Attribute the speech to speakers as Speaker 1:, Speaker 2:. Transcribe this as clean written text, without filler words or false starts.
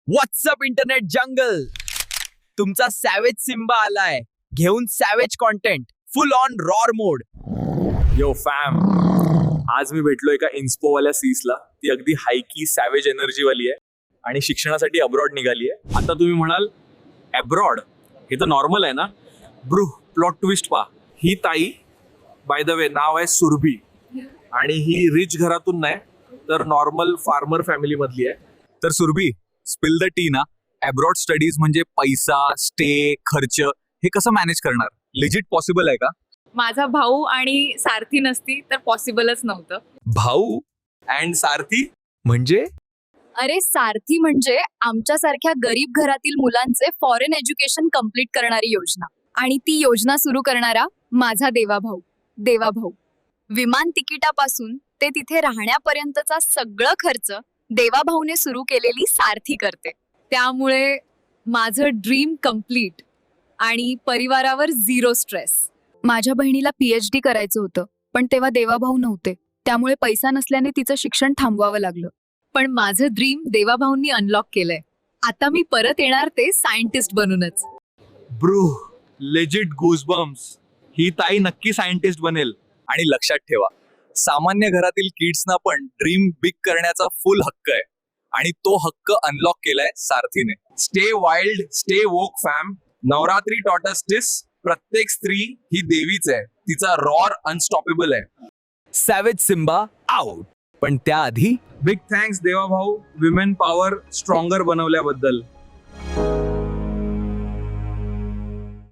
Speaker 1: WhatsApp internet जंगल, तुमचा सॅवेज Simba आलाय घेऊन savage content full on roar mode.
Speaker 2: Yo fam, आज मी भेटलो एका इन्स्पोवाल्या सीसला. ती अगदी हायकी सॅवेज एनर्जी वाली आहे आणि शिक्षणासाठी अब्रॉड निघाली आहे. आता तुम्ही म्हणाल अब्रॉड हे तर नॉर्मल आहे ना. ब्रू, प्लॉट ट्विस्ट पहा. ही ताई बाय द वे नाव आहे सुरभी आणि ही रिच घरातून नाही तर नॉर्मल फार्मर फॅमिली मधली आहे.
Speaker 1: तर सुरभी, स्पिल द टी ना. अब्रॉड स्टडीज म्हणजे पैसा, स्टे, खर्च हे कसं मॅनेज करणार? लिजिट पॉसिबल आहे का?
Speaker 3: माझा भाऊ आणि सारथी नसती तर पॉसिबलच नव्हतं.
Speaker 1: भाऊ
Speaker 2: अँड सारथी
Speaker 1: म्हणजे?
Speaker 4: अरे सारथी म्हणजे आमच्यासारख्या गरीब घरातील मुलांचे फॉरेन एज्युकेशन कम्प्लीट करणारी योजना. आणि ती योजना सुरू करणारा माझा देवाभाऊ. विमान तिकिटापासून ते तिथे राहण्यापर्यंतचा सगळं खर्च देवाभाऊने सुरू केलेली सारथी करते. त्यामुळे माझं ड्रीम कम्प्लीट आणि परिवारावर झिरो स्ट्रेस. माझ्या बहिणीला PhD करायचं होतं, पण तेव्हा देवाभाऊ नव्हते. त्यामुळे पैसा नसल्याने तिचं शिक्षण थांबवावं लागलं.
Speaker 3: पण माझं ड्रीम देवाभाऊंनी अनलॉक केलंय. आता मी परत येणार ते सायंटिस्ट बनूनच.
Speaker 2: Bru, legit goosebumps. ही ताई नक्की सायंटिस्ट बनेल.
Speaker 1: आणि लक्षात ठेवा, सामान्य घरातील किड्सना पण ड्रीम बिग करण्याचा फुल हक्क आहे आणि तो हक्क अनलॉक केलाय सारथीने.
Speaker 2: स्टे वाइल्ड, स्टे वोक फॅम. नवरात्री टॉटस दिस. प्रत्येक स्त्री ही देवीच आहे. तिचा रॉर अनस्टॉपेबल आहे.
Speaker 1: Savage Simba out. पण त्याआधी
Speaker 2: big thanks Devabhau, women power stronger बनवल्याबद्दल.